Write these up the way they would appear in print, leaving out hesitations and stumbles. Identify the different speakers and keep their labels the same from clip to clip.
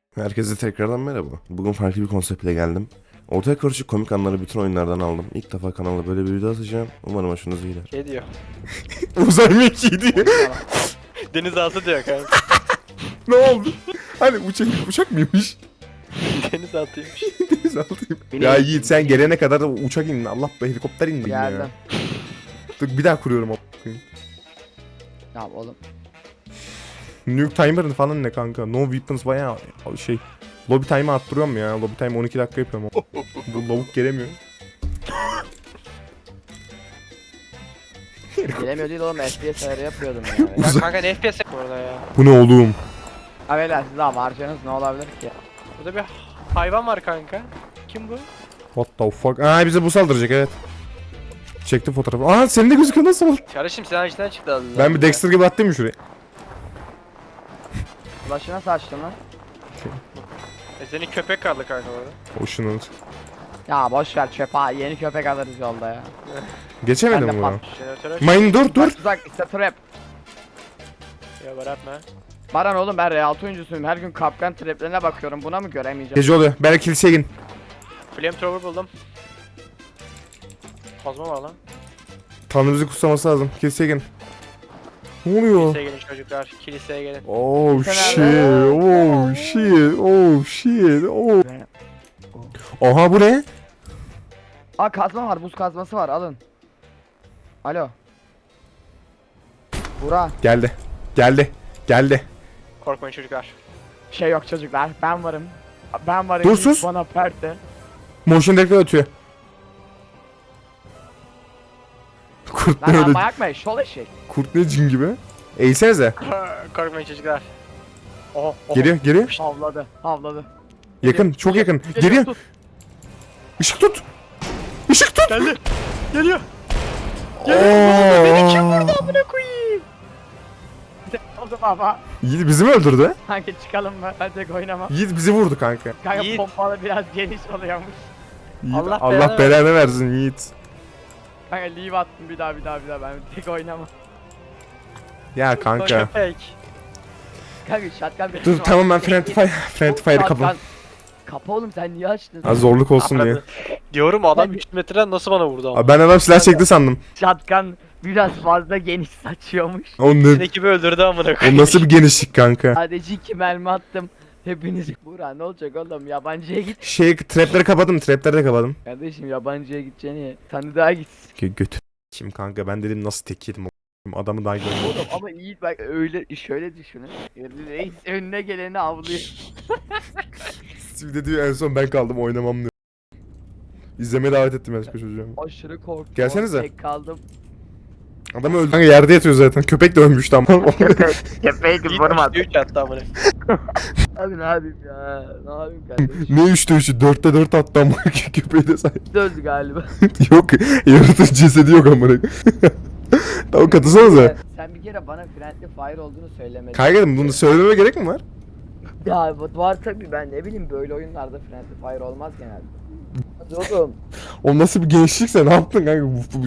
Speaker 1: Herkese tekrardan merhaba. Bugün farklı bir konseptle geldim. Ortaya karışık komik anları bütün oyunlardan aldım. İlk defa kanalda böyle bir video atacağım. Umarım hoşunuza gider.
Speaker 2: Şey diyor.
Speaker 1: Uzay mekiği diyor.
Speaker 2: Denizaltı diyor kanka.
Speaker 1: Ne oldu? Hani uçak mıymış?
Speaker 2: Denizaltıymış.
Speaker 1: Denizaltıyım. Ya Yiğit sen gelene kadar uçak indi. Allah be helikopter indi ya.
Speaker 3: Geldim.
Speaker 1: Dur bir daha kuruyorum a**ayım.
Speaker 3: Ya oğlum.
Speaker 1: Nuke timer'ın falan ne kanka? No weapons bayağı şey. Lobby time'ı arttırıyorum ya. Lobby time 12 dakika yapıyorum. Bu lavuk gelemiyor.
Speaker 3: Gelemiyor değil oğlum, FPS ayarı yapıyordum ya.
Speaker 2: Ya kanka ne FPS bu arada ya?
Speaker 1: Bu ne oğlum?
Speaker 3: Abiler siz daha harcanız ne olabilir ki?
Speaker 2: Burada bir hayvan var kanka. Kim bu?
Speaker 1: What the fuck? Aa bize bu saldıracak evet. Çektim fotoğrafı. Aa senin de gözüküyor nasıl olur?
Speaker 2: Kardeşim sen içinden çıktı adında.
Speaker 1: Ben bir Dexter gibi attım mı şuraya?
Speaker 3: Ulaşı nasıl açtın lan?
Speaker 2: Senin köpek kaldı kanka orada.
Speaker 1: Hoşlanır.
Speaker 3: Ya boş ver çöpe, yeni köpek alırız yolda ya.
Speaker 1: Geçemedim
Speaker 3: Ben de
Speaker 1: bunu.
Speaker 2: Jeneratör aç.
Speaker 1: Mayın dur dur.
Speaker 3: Uzak işte trap.
Speaker 2: Ya baratma.
Speaker 3: Baran oğlum ben R6 oyuncusuyum, her gün kapkan traplerine bakıyorum, buna mı göremeyeceğim?
Speaker 1: Gece oluyor. Belki kiliseye gidin.
Speaker 2: Flamethrower buldum. Kazma var lan.
Speaker 1: Tanrımızı kutsaması lazım. Kiliseye gidin. Ne oluyor?
Speaker 2: Kiliseye gelin çocuklar. Kiliseye gelin.
Speaker 1: Oh
Speaker 3: Sen
Speaker 1: shit.
Speaker 3: nerede?
Speaker 1: Oh shit. Oh shit. Oh. Aha bu ne?
Speaker 3: Aa kazma var, buz kazması var, alın. Alo. Burak.
Speaker 1: Geldi. Geldi. Geldi.
Speaker 2: Korkmayın çocuklar.
Speaker 3: Şey yok çocuklar, ben varım. Ben varım.
Speaker 1: Dur, sus.
Speaker 3: Bana perte.
Speaker 1: Motion detector ötüyor. Kurt ne
Speaker 3: Lan
Speaker 1: öyle?
Speaker 3: manyak mı? Şol eşek.
Speaker 1: Kurt ne cin gibi? Eğsenize.
Speaker 2: Korkmayın çocuklar. Oho.
Speaker 1: Geliyor geliyor.
Speaker 3: Havladı, havladı.
Speaker 1: Yakın çok yakın. Geliyor.
Speaker 3: Tut.
Speaker 1: Işık tut. Işık tut.
Speaker 2: Geldi. Geliyor.
Speaker 1: Beni kim
Speaker 2: Burada amına koyayım.
Speaker 3: Oldu baba.
Speaker 1: Yiğit bizi mi öldürdü?
Speaker 3: Kanka çıkalım mı? Ben tek oynamam.
Speaker 1: Yiğit bizi vurdu kanka.
Speaker 3: Kanka
Speaker 2: Yiğit.
Speaker 3: pompalı biraz geniş oluyormuş.
Speaker 1: Yiğit,
Speaker 2: Allah
Speaker 1: Allah
Speaker 2: belanı
Speaker 1: belanı versin Yiğit.
Speaker 3: Kanka leave attım bir daha ben tek oynamam.
Speaker 1: Ya kanka.
Speaker 2: Köpek.
Speaker 3: Kanka shotgun bir
Speaker 1: Dur tamam ben Friendly Fire'ı kapam.
Speaker 3: Kapa oğlum, sen niye açtın?
Speaker 1: Az zorluk olsun diye.
Speaker 2: Diyorum adam 3 metreden nasıl bana vurdu ama.
Speaker 1: Abi ben adam silah çekti sandım.
Speaker 3: Shotgun biraz fazla geniş saçıyormuş.
Speaker 1: O,
Speaker 2: Sizin
Speaker 1: ne,
Speaker 2: ekibi öldürdü amına
Speaker 1: o
Speaker 2: koyayım.
Speaker 1: nasıl bir genişlik kanka?
Speaker 3: Sadece 2 mermi attım. Hepiniz Burak ne olacak oğlum, yabancıya git.
Speaker 1: Şey trapleri kapadım, trapleri de kapadım.
Speaker 3: Kardeşim yabancıya gideceğini tanıdığa git.
Speaker 1: Götü. Kim kanka ben dedim nasıl tek yedim o adamı daha görmedim.
Speaker 3: Oğlum ama iyi bak, öyle şöyle düşünün. Reis önüne geleni avlıyor.
Speaker 1: Bir de diyor en son ben kaldım oynamam diyor. İzlemeye davet ettim başka çocuğu.
Speaker 3: Aşırı korktum.
Speaker 1: Gelsenize.
Speaker 3: Tek kaldım.
Speaker 1: Adam öldü. Kanka yerde yatıyor zaten. Köpek de ölmüş tam.
Speaker 3: Köpeği
Speaker 2: Yiğit 3 attı amına.
Speaker 3: Abi ne yapayım ya? Ne yapayım kardeşim?
Speaker 1: Ne 3'te 3'ü 4'te 4 attı ama köpeği de sahip.
Speaker 3: Öldü galiba.
Speaker 1: Yok yaratıcı cesedi yok amına. Tamam katılsanıza.
Speaker 3: Sen bir kere bana friendly fire olduğunu söylemedin.
Speaker 1: Kaygıdım bunu söylememe gerek mi var?
Speaker 3: Ya var tabi, ben ne bileyim böyle oyunlarda friendly fire olmaz genelde. Hadi oğlum.
Speaker 1: O nasıl bir gençlikse ne yaptın kanka?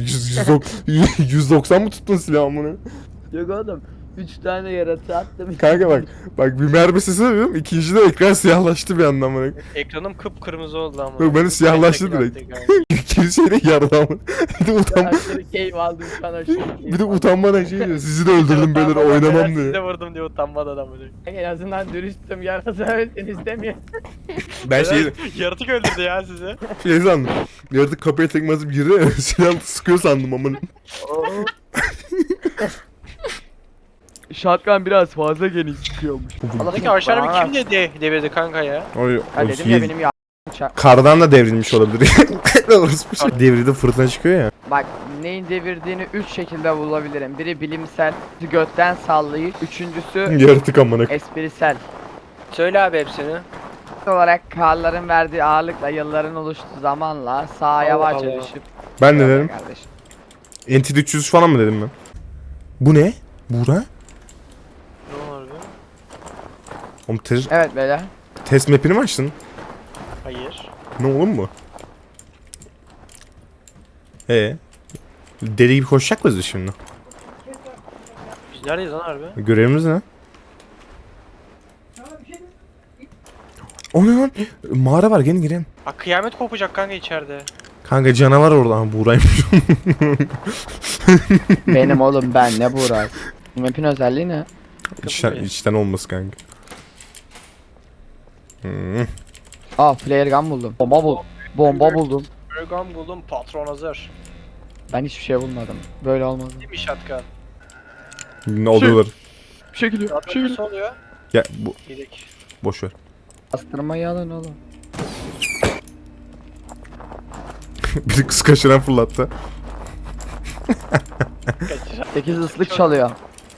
Speaker 1: 190 mı tuttun silahı amına?
Speaker 3: Yok oğlum. 3 tane yaratığı attım.
Speaker 1: Kanka bak bir mermi sesi duyuyorum. İkinci de ekran siyahlaştı bir anda amına.
Speaker 2: Ekranım kıpkırmızı oldu ama.
Speaker 1: Yok, benim siyahlaştı direkt. Kiliseyle yardı ama. Bir de
Speaker 3: Aşırı keyif aldım şu an, aşırı keyif
Speaker 1: bir de
Speaker 3: aldım.
Speaker 1: utanmadan şey diyor. Sizi de öldürdüm beyler oynamam
Speaker 2: Sizi de
Speaker 1: diyor.
Speaker 2: vurdum diye utanmadan ama.
Speaker 3: En azından dürüstüm, yarasa ölseniz demiyor.
Speaker 1: Ben
Speaker 2: Yaratık öldürdü ya sizi.
Speaker 1: şey sandım. Yaratık kapıya tekme atıp girdi. Silah sıkıyor sandım amına.
Speaker 3: Shotgun biraz fazla geniş çıkıyormuş.
Speaker 2: Peki aşağıda bir kim devirdi kanka ya?
Speaker 3: Ha dedim ya benim ya uçak.
Speaker 1: Kardan da devrilmiş olabilir. Orası bir şey. Devrildi fırtına çıkıyor ya.
Speaker 3: Bak neyin devirdiğini 3 şekilde bulabilirim. Biri bilimsel, götten sallayıcı, üçüncüsü
Speaker 1: Yaratık amına.
Speaker 3: esprisel.
Speaker 2: Söyle abi hepsini.
Speaker 3: Olarak karların verdiği ağırlıkla yılların oluştuğu zamanla sağa yavaşça
Speaker 2: Allah.
Speaker 3: düşüp
Speaker 1: Ben ne dedim?
Speaker 3: kardeşim.
Speaker 1: Entity 300 falan mı dedim ben? Bu ne? Buğra?
Speaker 2: Ne var be?
Speaker 1: Oğlum
Speaker 3: Evet beyler.
Speaker 1: test map'ini mi açtın?
Speaker 2: Hayır.
Speaker 1: Ne oğlum bu? Deli gibi koşacak mıyız biz şimdi?
Speaker 2: Biz neredeyiz lan harbi?
Speaker 1: Görevimiz ne? O ne lan? Mağara var, gelin girelim.
Speaker 2: Ha, kıyamet kopacak kanka içeride.
Speaker 1: Kanka canavar orada. Ha, Buğra'ymış.
Speaker 3: Benim oğlum ben ne Buğra? Bu map'in özelliği ne?
Speaker 1: içten olması kanka. Hmm.
Speaker 3: Aa flare gun buldum. Bomba buldum.
Speaker 2: Ergan buldum, patron hazır.
Speaker 3: Ben hiçbir şey bulmadım. Böyle olmadı.
Speaker 2: Değil mi shotgun?
Speaker 1: Ne oluyorlar?
Speaker 3: Bir şey geliyor.
Speaker 2: Shotgun nasıl oluyor?
Speaker 1: Ya bu
Speaker 2: Yedik.
Speaker 1: boş ver.
Speaker 3: Bastırmayı alın oğlum.
Speaker 1: Biri kız kaşıran fırlattı.
Speaker 2: Kaçır.
Speaker 3: 8 ıslık çalıyor.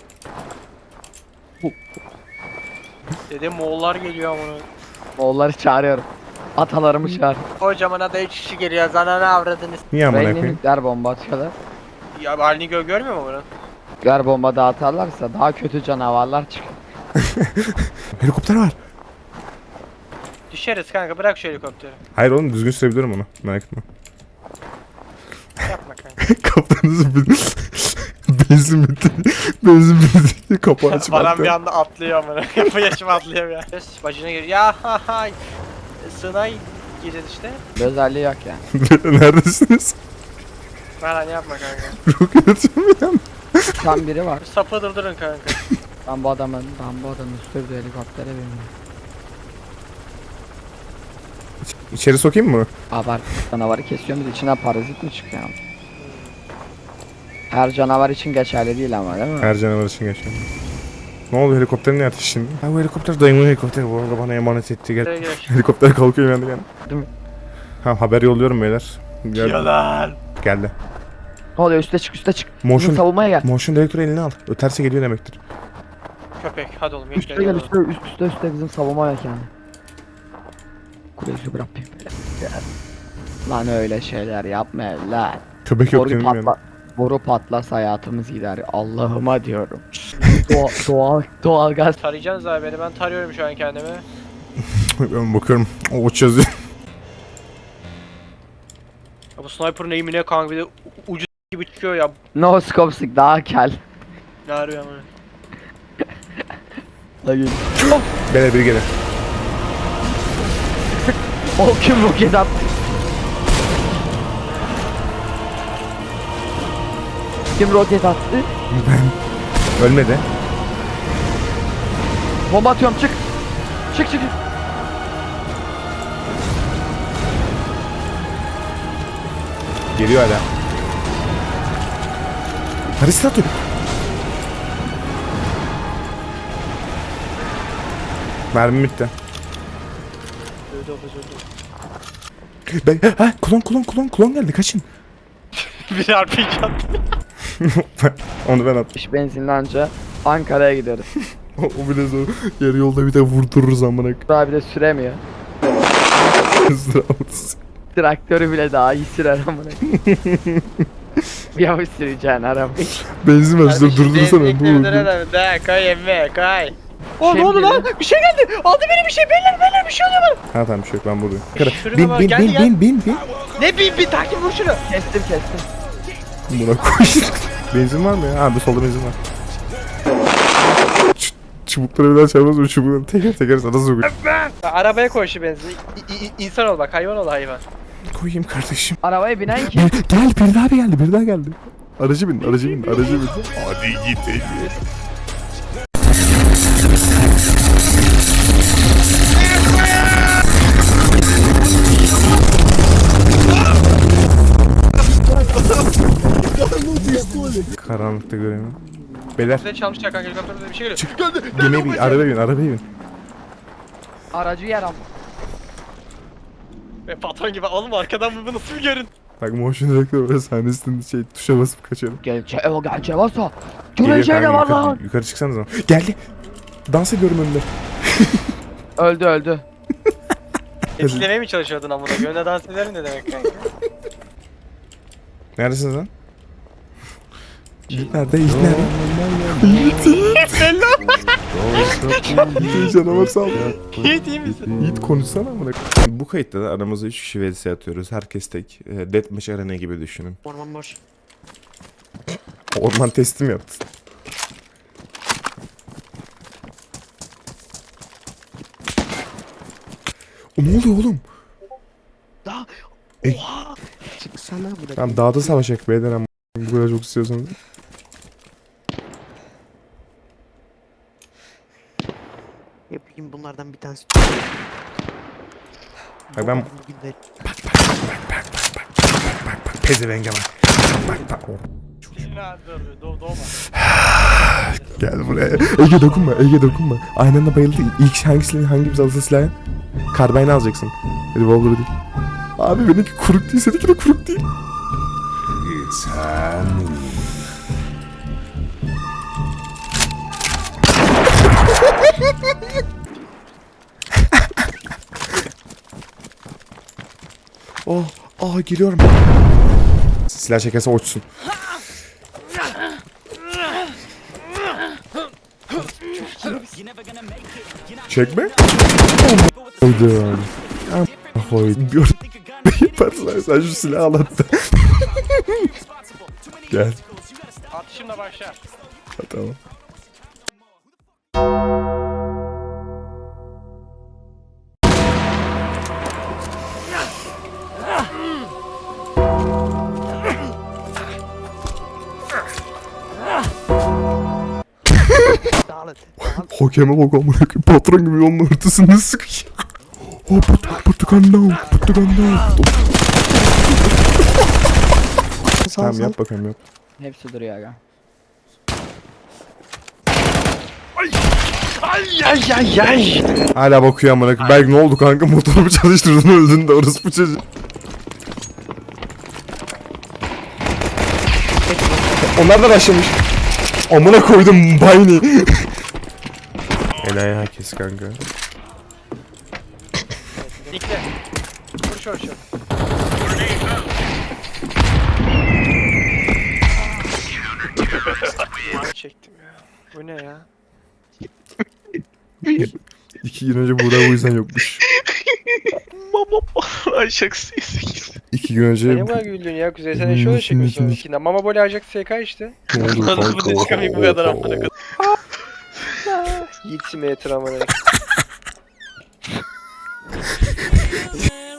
Speaker 2: Dedim Moğollar geliyor ama.
Speaker 3: Moğolları çağırıyorum. Atalarımı çağır.
Speaker 2: Kocaman ada 3 kişi geliyor. Zanana avradınız.
Speaker 1: Niye amına
Speaker 3: Reyni
Speaker 1: koyayım?
Speaker 3: nükleer bomba atıyorlar.
Speaker 2: Ya halini görmüyor mu bunu?
Speaker 3: Nükleer bomba dağıtarlarsa daha kötü canavarlar çıkar.
Speaker 1: Helikopter var.
Speaker 2: Düşeriz kanka, bırak şu helikopteri.
Speaker 1: Hayır oğlum, düzgün sürebilirim onu. Merak etme.
Speaker 2: Yapma kanka.
Speaker 1: Kaptanınızın benzin bitti. Benzin bitti. Kapağı açıp
Speaker 2: Baran
Speaker 1: attı.
Speaker 2: bir anda atlıyor amına. Yapı yaşıma atlıyor ya. Bacına giriyor. Ya ha ha. Sınay gireceğiz işte.
Speaker 3: Bir özelliği yok yani.
Speaker 1: Neredesiniz?
Speaker 2: Baran yapma kanka.
Speaker 1: Roket atıyorum ya.
Speaker 3: Tam biri var.
Speaker 2: Sapı durdurun kanka.
Speaker 3: Ben bu adamın sürdüğü helikoptere bindim.
Speaker 1: İçeri sokayım mı?
Speaker 3: Abart canavarı kesiyoruz, içine parazit mi çıkıyor? Her canavar için geçerli değil ama değil mi?
Speaker 1: Her canavar için geçiyor. Ne oldu, helikopter niye ateş şimdi? Ha, bu helikopter dayımın helikopteri, bu arada bana emanet etti. Gel.
Speaker 2: Buraya gir.
Speaker 1: Helikopter kalkıyor yani.
Speaker 3: Değil mi?
Speaker 1: Ha, haber yolluyorum beyler.
Speaker 2: Yalan.
Speaker 1: Geldi.
Speaker 3: Ne oluyor, üste çık üste çık.
Speaker 1: Motion-
Speaker 3: Bizim savunmaya gel.
Speaker 1: Motion direktörü eline al. Öterse geliyor demektir.
Speaker 2: Köpek hadi oğlum.
Speaker 3: Üste gel üste bizim savunmaya gel yani. Kuleci bırakayım. Lan öyle şeyler yapma lan.
Speaker 1: Köpek yok
Speaker 3: Boru
Speaker 1: benim yani.
Speaker 3: boru patlarsa hayatımız gider. Allah'ıma diyorum. Doğal gaz.
Speaker 2: Tarayacaksınız abi beni, ben tarıyorum şu an kendimi.
Speaker 1: Ben bakıyorum. O uç yazıyor.
Speaker 2: Ya bu sniper'ın eğimi ne kanka, bir de ucu gibi çıkıyor ya.
Speaker 3: No scope sık daha kel.
Speaker 2: Ne arıyor ama.
Speaker 3: Hayır.
Speaker 1: Beyler biri gelir.
Speaker 3: O kim roket attı? Kim roket attı?
Speaker 1: Ölmedi.
Speaker 3: Bomba atıyorum çık. Çık çık.
Speaker 1: Geliyor hala. Paris'te atıyor. Mermi bitti.
Speaker 2: Öldü öldü.
Speaker 1: Ha, klon geldi, kaçın.
Speaker 2: Bir RPG attı.
Speaker 1: Onu ben attım.
Speaker 3: İş benzinli anca Ankara'ya gideriz.
Speaker 1: O bile zor. Yarı yolda bir de vurdururuz amına.
Speaker 3: Daha bir de süremiyor.
Speaker 1: Sıramız.
Speaker 3: Traktörü bile daha iyi sürer amına. Yavaş süreceksin arabayı.
Speaker 1: Benzin ver, durdursana.
Speaker 2: De kay emme kay. O
Speaker 3: Şey
Speaker 2: ne oldu
Speaker 3: mi
Speaker 2: lan? Bir şey geldi. Aldı beni bir şey. Beyler bir şey oluyor bana.
Speaker 1: Ha tamam, bir şey yok, ben buradayım.
Speaker 2: Şuraya bak, geldi, geldi.
Speaker 1: Bin.
Speaker 2: Ne bir takip vur şunu.
Speaker 3: Kestim.
Speaker 1: Buna koy. Benzin var mı ya? Ha, bu solda benzin var. Çubukları bir daha çarpmaz mı? Çubukları teker sana sokuyor.
Speaker 2: Arabaya koy şu benzin. İnsan ol bak, hayvan ol hayvan.
Speaker 1: Koyayım kardeşim.
Speaker 3: Arabaya binen kim?
Speaker 1: Gel, bir daha geldi. Aracı bin. Hadi git. Karanlıkta göremiyorum. Beyler,
Speaker 2: Bize çalmışlar kanka, helikopterden bir şey geliyor.
Speaker 1: gemiye bin, arabaya bin.
Speaker 3: Aracı yer ama.
Speaker 2: Ve patron gibi oğlum, arkadan bu nasıl bir görün.
Speaker 1: Bak, motion direktör böyle sahnesinde tuşa basıp kaçıyorum.
Speaker 3: Gel Cevasa.
Speaker 1: Geliyor
Speaker 3: Göreceğine
Speaker 1: kanka,
Speaker 3: var lan.
Speaker 1: yukarı çıksanız ama. Geldi. Dans ediyorum önünde.
Speaker 3: Öldü.
Speaker 2: Etkilemeye mi çalışıyordun amına? Gönle dans ederim ne demek kanka?
Speaker 1: Neredesiniz lan? Yiğit nerede? Yiğit canavar saldı.
Speaker 2: İyi değil misin?
Speaker 1: Yiğit konuşsana amına. Bu kayıtta da aramızda 3 kişi vs atıyoruz. Herkes tek. Deathmatch arena gibi düşünün.
Speaker 2: Orman boş.
Speaker 1: Orman teslim yaptı. Ne oluyor oğlum?
Speaker 4: Daha.
Speaker 1: E-
Speaker 4: Oha. Çıksana bırak.
Speaker 1: Tamam dağda savaşacak beyler ama bu kadar çok istiyorsanız.
Speaker 4: Yapayım bunlardan bir tanesi.
Speaker 1: Hayır, ben-
Speaker 4: Bugün de
Speaker 1: Bak pezevenge bak. Bak.
Speaker 2: Doğma.
Speaker 1: Gel buraya. Ege dokunma, Ege dokunma. Aynı anda bayıldı. İlk hangimiz alırsa silahı? Karbayını alacaksın. Revolver'ı değil. Abi benimki kuruk değil, seninki de kuruk değil. Geliyorum. Silah çekerse uçsun. Çekme. Koydum. Koydum. Gör. Yaparsan sen şu silahı al hatta. Gel.
Speaker 2: Atışımla başla.
Speaker 1: Ha, tamam.
Speaker 4: dağılın.
Speaker 1: Hakeme bak amına koyayım. Patron gibi yolun ortasında sıkışıyor. Portugallo. Tamam yap bakalım yap.
Speaker 3: Hepsi duruyor aga.
Speaker 2: Ay.
Speaker 1: Hala bakıyor amına koyayım. Belki ne oldu kanka, motorumu çalıştırdın öldün de orası bu çocuk. Onlar da başlamış. Amına koydum bayni. Enayi herkes kanka.
Speaker 2: Dikle. Vur şöyle. Çektim ya. Bu ne ya?
Speaker 1: 2 gün önce Buğra bu yüzden yokmuş.
Speaker 4: Ay şaksıyız.
Speaker 1: 2 gün önce
Speaker 2: Ne kadar güldün ya Kuzey, sen şöyle çekiyorsun. İçinde Mama Boli Ajax SK işte.
Speaker 1: ne oldu kanka?
Speaker 4: çıkamayayım bu kadar amına koyayım.
Speaker 2: Yiğit Simulator amına.